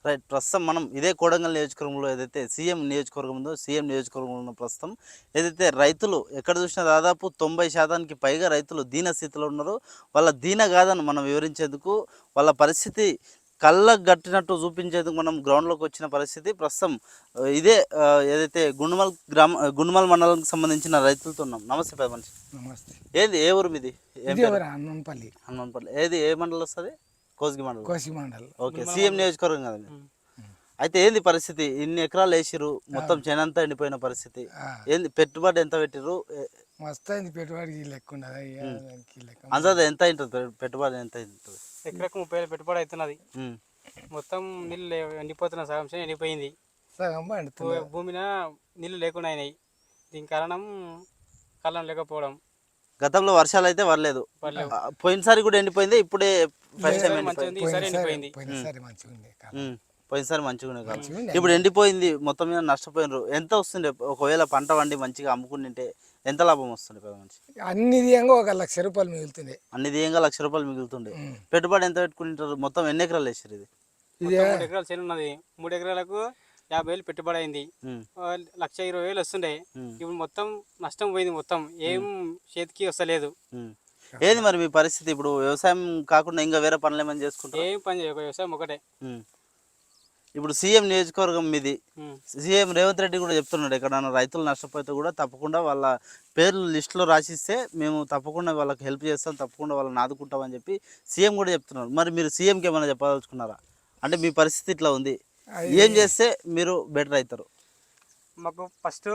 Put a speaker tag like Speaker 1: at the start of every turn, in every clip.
Speaker 1: Right. ప్రస్తుతం మనం ఇదే కొడంగల్ నియోజకవర్గంలో ఏదైతే సీఎం నియోజకవర్గం ఉందో, సీఎం నియోజకవర్గంలో ఉన్న ప్రస్తుతం ఏదైతే రైతులు ఎక్కడ చూసినా దాదాపు 90% పైగా రైతులు దీన స్థితిలో ఉన్నారు. వాళ్ళ దీనగాథను మనం వివరించేందుకు, వాళ్ళ పరిస్థితి కళ్ళకు గట్టినట్టు చూపించేందుకు మనం గ్రౌండ్‌లోకి వచ్చిన పరిస్థితి ప్రస్తుతం ఇదే ఏదైతే గుండుమల్ మండలానికి సంబంధించిన రైతులతో ఉన్నాం. నమస్తే పెద్ద మనిషి.
Speaker 2: నమస్తే.
Speaker 1: ఏది ఏ ఊరు మీది? ఏం
Speaker 2: ఇది
Speaker 1: పేరు?
Speaker 2: ఎవరు? హనుమంపల్లి.
Speaker 1: హనుమాన్పల్లి. ఏది ఏ మండలం వస్తది? కోస్గి మండలం.
Speaker 2: కోసి మండల్.
Speaker 1: ఓకే. సీఎం నియోజకవర్గం కదా మీది. అయితే ఏంది పరిస్థితి? ఇన్ని ఎకరాలు వేసిర్రు, మొత్తం చేనంతా ఎండిపోయిన పరిస్థితి. ఏంది పెట్టుబడి ఎంత పెట్టిర్రు?
Speaker 2: మస్తు అయింది పెట్టుబడికి లెక్క ఉండదు.
Speaker 1: అందాజ ఎంత అయింటుంది? పెట్టుబడి ఎంత అయింటుంది?
Speaker 3: ఎకరకు 30,000 పెట్టుబడి అవుతున్నది. మొత్తం నీళ్ళు ఎండిపోతున్న సగం చేను ఎండిపోయింది.
Speaker 2: సగం పండుతుంది.
Speaker 3: భూమిన నీళ్ళు లేకుండా అయినాయి. దీని కారణం కాలం లేకపోవడం.
Speaker 1: గతంలో వర్షాలు అయితే పడలేదు. పోయినసారి కూడా ఎండిపోయింది. ఇప్పుడే ఫస్ట్ టైం ఎండిపోయింది.
Speaker 3: ఈసారి ఎండిపోయింది.
Speaker 2: పోయినసారి మంచిగా ఉండే కాలం.
Speaker 1: పోయినసారి మంచిగా ఉండే కాలం. ఇప్పుడు ఎండిపోయింది. మొత్తం మీద నష్టపోయినారు. ఎంత వస్తుండే ఒకవేళ పంట వండి మంచిగా అమ్ముకుంటే? ఎంత లాభం వస్తుంది పెద్ద మనిషి?
Speaker 2: అన్ని దియంగా 1,00,000 రూపాయలు మిగులుతుంది.
Speaker 1: అన్ని దియంగా 1,00,000 రూపాయలు మిగులుతుండే. పెట్టుబడి ఎంత పెట్టుకుంటారు? మొత్తం ఎన్ని ఎకరాలు వేసారు? ఇది
Speaker 3: 3 ఎకరాలు చేను ఉన్నది. 3 ఎకరాలకు 50,000 పెట్టుబడి అయింది. 1,20,000 వస్తుండే. ఇప్పుడు మొత్తం నష్టం పోయింది. మొత్తం ఏం చేతికి వస్తలేదు.
Speaker 1: ఏది మరి మీ పరిస్థితి? ఇప్పుడు వ్యవసాయం కాకుండా ఇంకా వేరే పనులు ఏమైనా చేసుకుంటారు?
Speaker 3: ఏం పని చేయక వ్యవసాయం ఒకటే.
Speaker 1: ఇప్పుడు సీఎం నియోజకవర్గం మీది. సీఎం రేవంత్ రెడ్డి కూడా చెప్తున్నాడు, ఎక్కడైనా రైతులు నష్టపోతే కూడా తప్పకుండా వాళ్ళ పేర్లు లిస్టులో రాసిస్తే మేము తప్పకుండా వాళ్ళకి హెల్ప్ చేస్తాం, తప్పకుండా వాళ్ళని ఆదుకుంటామని చెప్పి సీఎం కూడా చెప్తున్నారు. మరి మీరు సీఎంకి ఏమైనా చెప్పదలుచుకున్నారా? అంటే మీ పరిస్థితి ఇట్లా ఉంది, ఏం చేస్తే మీరు బెటర్ అవుతారు?
Speaker 3: మాకు ఫస్ట్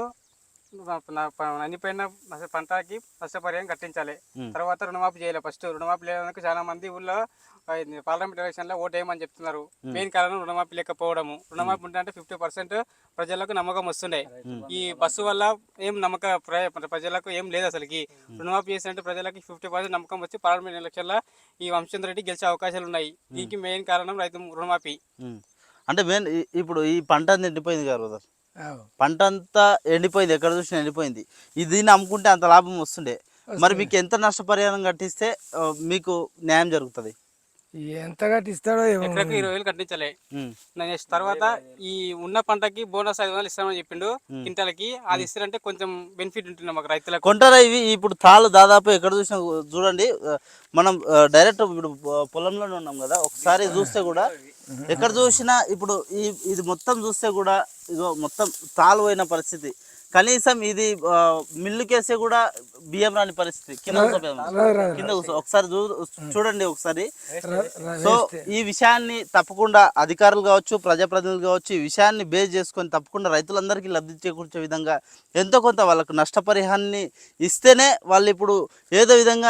Speaker 3: అనిపోయిన పంటకి నష్టపరిహారం కట్టించాలి. తర్వాత రుణమాఫీ చేయాలి. ఫస్ట్ రుణమాఫీ లేదందుకు చాలా మంది ఊళ్ళో పార్లమెంట్ ఎలక్షన్ లో ఓటు వేయమని చెప్తున్నారు. మెయిన్ కారణం రుణమాఫీ లేకపోవడము. రుణమాఫీ ఉంటే 50% ప్రజలకు నమ్మకం వస్తుండే. ఈ బస్సు వల్ల ఏం ప్రజలకు ఏం లేదు అసలుకి. రుణమాఫీ చేసినట్టు ప్రజలకి 50% నమ్మకం వచ్చి పార్లమెంట్ ఎలక్షన్ లో ఈ వంశచంద్ర రెడ్డి గెలిచే అవకాశాలు ఉన్నాయి. దీనికి మెయిన్ కారణం రైతు రుణమాఫీ.
Speaker 1: అంటే మెయిన్ ఇప్పుడు ఈ పంట ఎండిపోయింది కదా, పంట అంతా ఎండిపోయింది, ఎక్కడ చూసినా ఎండిపోయింది. దీన్ని అమ్ముకుంటే అంత లాభం వస్తుండే. మరి మీకు ఎంత నష్టపరిహారం కట్టిస్తే మీకు న్యాయం జరుగుతుంది?
Speaker 2: ఎంత కట్టిస్తాడో
Speaker 3: ఎకరకు 20,000 కట్టించాలి. నెక్స్ట్ తర్వాత ఈ ఉన్న పంటకి బోనస్ 500 ఇస్తామని చెప్పిండు కింటాలకి. అది ఇస్తారంటే కొంచెం బెనిఫిట్ ఉంటుంది మాకు రైతులకు.
Speaker 1: కొంటారా ఇవి? ఇప్పుడు తాళ్ళు దాదాపు ఎక్కడ చూసినా చూడండి, మనం డైరెక్ట్ ఇప్పుడు పొలంలోనే ఉన్నాం కదా, ఒకసారి చూస్తే కూడా ఎక్కడ చూసినా ఇప్పుడు ఇది మొత్తం చూస్తే కూడా ఇదో మొత్తం తాళ్ళు పోయిన పరిస్థితి. కనీసం ఇది మిల్లుకేసే కూడా బియ్యం రాని పరిస్థితి. కింద ఒకసారి చూడండి ఒకసారి. సో ఈ విషయాన్ని తప్పకుండా అధికారులు కావచ్చు, ప్రజాప్రతినిధులు కావచ్చు, ఈ విషయాన్ని బేస్ చేసుకొని తప్పకుండా రైతులందరికీ లబ్ధి చేకూర్చే విధంగా ఎంతో కొంత వాళ్ళకు నష్టపరిహారాన్ని ఇస్తేనే వాళ్ళు ఇప్పుడు ఏదో విధంగా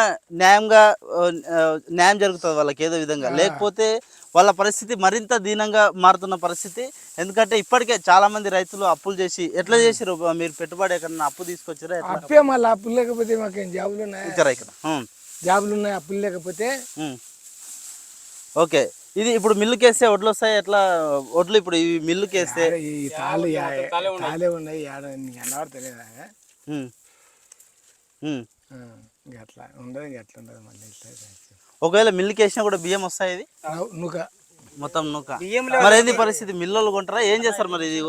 Speaker 1: న్యాయం జరుగుతుంది వాళ్ళకి ఏదో విధంగా. లేకపోతే వాళ్ళ పరిస్థితి మరింత దీనంగా మారుతున్న పరిస్థితి. ఎందుకంటే ఇప్పటికే చాలా మంది రైతులు అప్పులు చేసి ఎట్లా చేసారు? మీరు పెట్టుబడి ఎక్కడన్నా అప్పు తీసుకొచ్చారా?
Speaker 2: అప్పే మళ్ళీ అప్పులు లేకపోతే మాకేం జాబులు ఉన్నాయి?
Speaker 1: ఇక్కడ
Speaker 2: జాబులు ఉన్నాయి, అప్పులు లేకపోతే.
Speaker 1: ఓకే. ఇది ఇప్పుడు మిల్లుకేస్తే వడ్లు వస్తాయి. ఎట్లా వడ్లు ఇప్పుడు ఈ మిల్లుకేస్తే
Speaker 2: తాళే ఉన్నాయి, తెలియదా? అట్లా ఉండదు, అట్లా ఉండదు. మళ్ళీ
Speaker 1: ఒకవేళ మిల్లుకి వేసినా కూడా బియ్యం వస్తాయి? ఇది
Speaker 2: నూక
Speaker 1: మొత్తం నూక. మరి ఏంది పరిస్థితి? మిల్లులు కొంటారా? ఏం చేస్తారు మరి? ఇది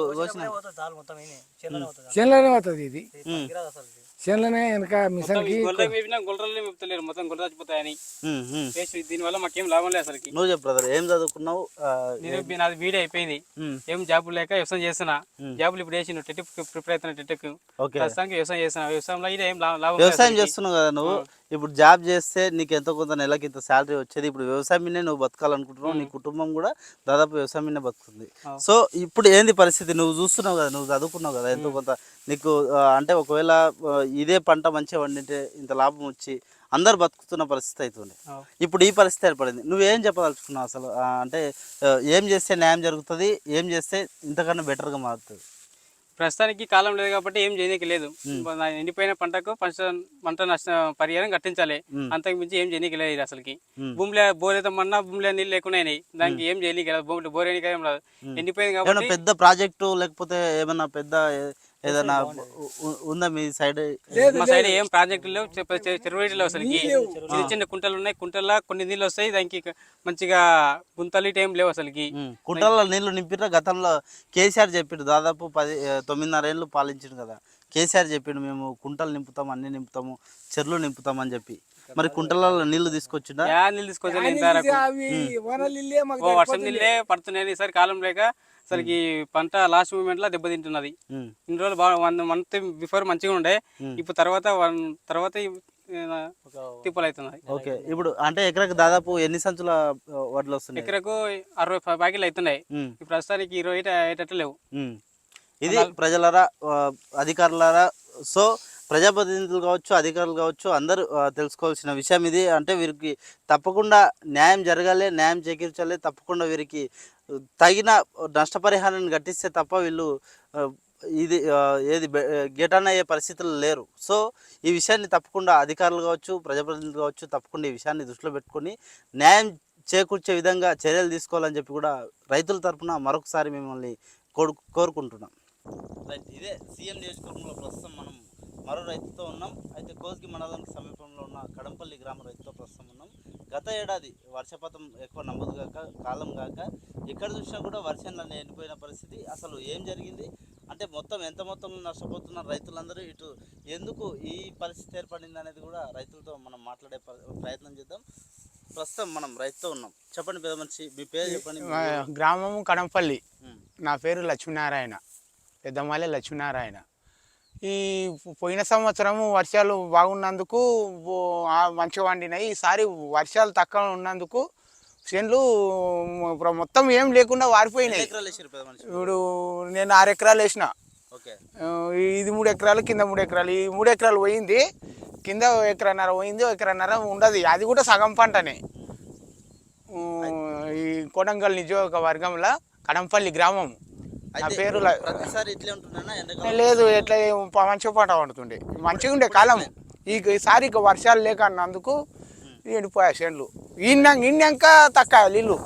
Speaker 2: చేనులోనే పోతుంది. ఇది చేనులోనే వెనక మిషన్
Speaker 3: మొత్తం గొర్రెపోతాయని. దీనివల్ల మాకేం లాభం లేదు అసలు.
Speaker 1: నువ్వు చెప్పు బ్రదర్, ఏం చదువుకున్నావు?
Speaker 3: నాది బీడీ అయిపోయింది. ఏం జాబులు లేక వ్యవసాయం చేస్తున్నా. జాబులు ఇప్పుడు వేసి టెట్ ప్రిపేర్ అవుతున్నా. టెట్కి ప్రస్తుతానికి వ్యవసాయం చేస్తున్నా. వ్యవసాయంలో ఏం లాభం.
Speaker 1: వ్యవసాయం చేస్తున్నావు కదా నువ్వు. ఇప్పుడు జాబ్ చేస్తే నీకు ఎంతో కొంత నెలకి ఇంత శాలరీ వచ్చేది. ఇప్పుడు వ్యవసాయం మీదే నువ్వు బతకాలనుకుంటున్నావు, నీ కుటుంబం కూడా దాదాపు వ్యవసాయం మీదే బతుకుతుంది. సో ఇప్పుడు ఏంది పరిస్థితి? నువ్వు చూస్తున్నావు కదా, నువ్వు చదువుకున్నావు కదా, ఎంతో కొంత నీకు అంటే ఒకవేళ ఇదే పంట మంచిగా వండింటే ఇంత లాభం వచ్చి అందరు బతుకుతున్న పరిస్థితి అవుతుంది. ఇప్పుడు ఈ పరిస్థితి ఏర్పడింది. నువ్వేం చెప్పదలుచుకున్నావు అసలు? అంటే ఏం చేస్తే న్యాయం జరుగుతుంది, ఏం చేస్తే ఇంతకన్నా బెటర్గా మారుతుంది?
Speaker 3: ప్రస్తుతానికి కాలం లేదు కాబట్టి ఏం చేయనీకి లేదు. ఎండిపోయిన పంటకు పంట నష్ట పరిహారం కట్టించాలి. అంతకు మించి ఏం చేయనీకి లేదు అసలుకి. భూమిలో బోరేతమన్నా భూమిలో నీళ్ళు లేకుండా దానికి ఏం చేయనీకి రాదు. భూమిలో బోరేనికి ఏం రాదు, ఎండిపోయింది కాబట్టి.
Speaker 1: పెద్ద ప్రాజెక్టు లేకపోతే ఏమన్నా పెద్ద ఏదైనా ఉందా మీ సైడ్?
Speaker 3: మా సైడ్ ఏం ప్రాజెక్టులు లేవు, చెరువు లేవు అసలు. చిన్న చిన్న కుంటలు ఉన్నాయి, కుంటల్లో కొన్ని నీళ్ళు వస్తాయి, దానికి మంచిగా గుంతలు ఇటు ఏం లేవు అసలుకి.
Speaker 1: కుంటల్లో నీళ్లు నింపినా గతంలో కేసీఆర్ చెప్పిండు, దాదాపు 9.5 ఏళ్ళు పాలించిండు కదా. కేసీఆర్ చెప్పిండు మేము కుంటలు నింపుతాం, అన్ని నింపుతాము, చెర్లు నింపుతాం అని చెప్పి. మరి కుంటలలో నీళ్లు తీసుకొచ్చిండా?
Speaker 3: నీళ్ళు తీసుకొచ్చాను ఇంతవరకు. వర్షం నీళ్ళే పడుతున్నాయి, ఈసారి కాలం లేక అసలుకి పంట లాస్ట్ మూమెంట్ లో దెబ్బతింటున్నది. ఇన్ని రోజులు బాగా 1 month బిఫోర్ మంచిగా ఉండే, ఇప్పుడు తర్వాత తిప్పలు అవుతున్నాయి.
Speaker 1: ఓకే, ఇప్పుడు అంటే ఎకరకు దాదాపు ఎన్ని సంచుల వడ్లు వస్తున్నాయి?
Speaker 3: ఎకరకు 65 ప్యాకెట్లు అవుతున్నాయి. ఇప్పుడు ప్రస్తుతానికి 20 అయ్యేటట్లు లేవు.
Speaker 1: ఇది ప్రజలరా, అధికారులారా, సో ప్రజాప్రతినిధులు కావచ్చు, అధికారులు కావచ్చు, అందరూ తెలుసుకోవాల్సిన విషయం ఇది. అంటే వీరికి తప్పకుండా న్యాయం జరగాలి, న్యాయం చేకూర్చాలి, తప్పకుండా వీరికి తగిన నష్టపరిహారాన్ని గట్టిస్తే తప్ప వీళ్ళు ఇది గెటాన్ అయ్యే పరిస్థితులు లేరు. సో ఈ విషయాన్ని తప్పకుండా అధికారులు కావచ్చు, ప్రజాప్రతినిధులు కావచ్చు, తప్పకుండా ఈ విషయాన్ని దృష్టిలో పెట్టుకొని న్యాయం చేకూర్చే విధంగా చర్యలు తీసుకోవాలని చెప్పి కూడా రైతుల తరఫున మరొకసారి మిమ్మల్ని కోరుకుంటున్నాం. రైట్, ఇదే సీఎం నియోజకవర్గంలో ప్రస్తుతం మనం మరో రైతుతో ఉన్నాం. అయితే కోస్గి మండలానికి సమీపంలో ఉన్న కడంపల్లి గ్రామ రైతుతో ప్రస్తుతం ఉన్నాం. గత ఏడాది వర్షపాతం ఎక్కువ నమోదు కాక, కాలం కాక ఎక్కడ చూసినా కూడా వర్షంలో ఎండిపోయిన పరిస్థితి. అసలు ఏం జరిగింది అంటే మొత్తం ఎంత మొత్తంలో నష్టపోతున్నారు రైతులందరూ, ఇటు ఎందుకు ఈ పరిస్థితి ఏర్పడింది అనేది కూడా రైతులతో మనం మాట్లాడే ప్రయత్నం చేద్దాం. ప్రస్తుతం మనం రైతుతో ఉన్నాం. చెప్పండి పెద్ద మనిషి, మీ పేరు చెప్పండి.
Speaker 4: గ్రామం కడంపల్లి, నా పేరు లక్ష్మీనారాయణ, పెద్దమాలే లక్ష్మీనారాయణ. ఈ పోయిన సంవత్సరము వర్షాలు బాగున్నందుకు మంచిగా వండినాయి. ఈసారి వర్షాలు తక్కువ ఉన్నందుకు చేనులు మొత్తం ఏం లేకుండా వారిపోయినాయి. ఇప్పుడు నేను 6 ఎకరాలు వేసిన, ఇది 3 ఎకరాలు, కింద 3 ఎకరాలు. ఈ 3 ఎకరాలు పోయింది, కింద 1.5 ఎకరాలు పోయింది, 1.5 ఎకరాలు ఉండదు. అది కూడా సగం పంటనే. ఈ కొడంగల్ నియోజకవర్గంలో కడంపల్లి గ్రామం. నా పేరు లేదు, ఎట్లా మంచిగా పంట పండుతుండే, మంచిగా ఉండే కాలం. ఈసారి వర్షాలు లేక అన్నందుకు ఎండిపోయా చేనులు. ఇన్నాక తక్కువ నీళ్ళు.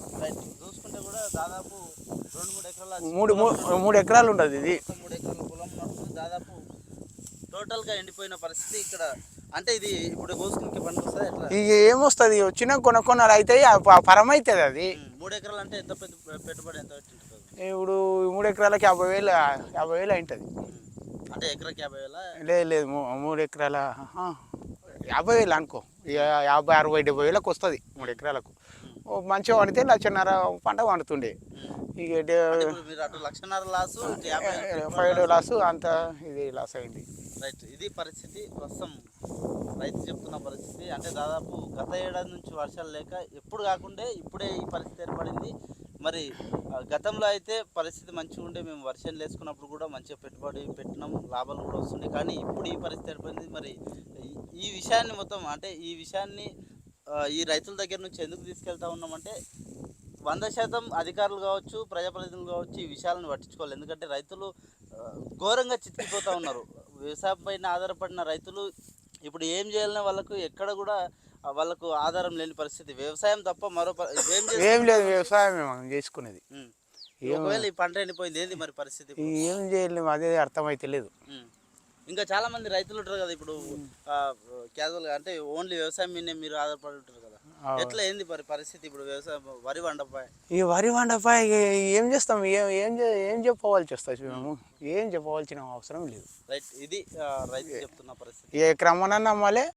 Speaker 4: మూడు ఎకరాలు ఉండదు ఇది.
Speaker 1: 3 ఎకరాల పొలం దాదాపు టోటల్గా ఎండిపోయిన పరిస్థితి ఇక్కడ. అంటే ఇది ఇప్పుడు కోసుకునే పనికి వస్తుంది ఎట్లా?
Speaker 4: ఇక ఏమొస్తుంది, వచ్చిన కొనలు అవుతాయి, పరమవుతుంది అది.
Speaker 1: 3 ఎకరాలు అంటే ఎంత పెట్టుబడి ఎంత పెట్టింటుంది?
Speaker 4: ఇప్పుడు 3 ఎకరాలకి 50,000 అయింటుంది.
Speaker 1: అంటే ఎకరాకి 50,000?
Speaker 4: లేదు 3 ఎకరాల 50,000 అనుకో, 50, 60, 70,000 వస్తుంది 3 ఎకరాలకు. మంచిగా వండితే 1,50,000 పంట వండుతుండే. ఇక
Speaker 1: 1,50,000 లాస్,
Speaker 4: 5 లాస్, అంత ఇది లాస్ అయింది.
Speaker 1: రైట్, ఇది పరిస్థితి ప్రస్తుతం రైతు చెప్తున్న పరిస్థితి. అంటే దాదాపు గత ఏడాది నుంచి వర్షాలు లేక ఎప్పుడు కాకుండా ఇప్పుడే ఈ పరిస్థితి ఏర్పడింది. మరి గతంలో అయితే పరిస్థితి మంచిగా ఉండే, మేము వర్షం వేసుకున్నప్పుడు కూడా మంచిగా పెట్టుబడి పెట్టినాం, లాభాలు కూడా వస్తున్నాయి. కానీ ఇప్పుడు ఈ పరిస్థితి ఏర్పడింది. మరి ఈ విషయాన్ని మొత్తం అంటే ఈ విషయాన్ని ఈ రైతుల దగ్గర నుంచి ఎందుకు తీసుకెళ్తా ఉన్నామంటే 100% అధికారులు కావచ్చు, ప్రజాప్రతినిధులు కావచ్చు ఈ విషయాలను పట్టించుకోవాలి. ఎందుకంటే రైతులు ఘోరంగా చితికిపోతూ ఉన్నారు. వ్యవసాయం పైన ఆధారపడిన రైతులు ఇప్పుడు ఏం చేయాలనే వాళ్ళకు ఎక్కడ కూడా వాళ్ళకు ఆధారం లేని పరిస్థితి. వ్యవసాయం తప్ప మరో
Speaker 4: ఏం లేదు, వ్యవసాయమే మనం చేసుకునేది.
Speaker 1: ఒకవేళ ఈ పంట ఎండిపోయింది ఏంది మరి పరిస్థితి?
Speaker 4: ఏం చేయలేము, అదే అర్థమైతే లేదు.
Speaker 1: ఇంకా చాలా మంది రైతులు ఉంటారు కదా, ఇప్పుడు క్యాజువల్గా అంటే ఓన్లీ వ్యవసాయం మీదే మీరు ఆధారపడి ఉంటారు కదా, ఎట్లా ఏంది మరి పరిస్థితి? ఇప్పుడు వ్యవసాయం వరి వండపాయ,
Speaker 4: ఈ వరి వండపాయ ఏం చేస్తాం, ఏం చెప్పవలసి వస్తుంది మేము, ఏం చెప్పవలసిన అవసరం లేదు.
Speaker 1: రైట్, ఇది రైతు చెప్తున్న పరిస్థితి.
Speaker 4: ఏ క్రమణ నమ్మాలి,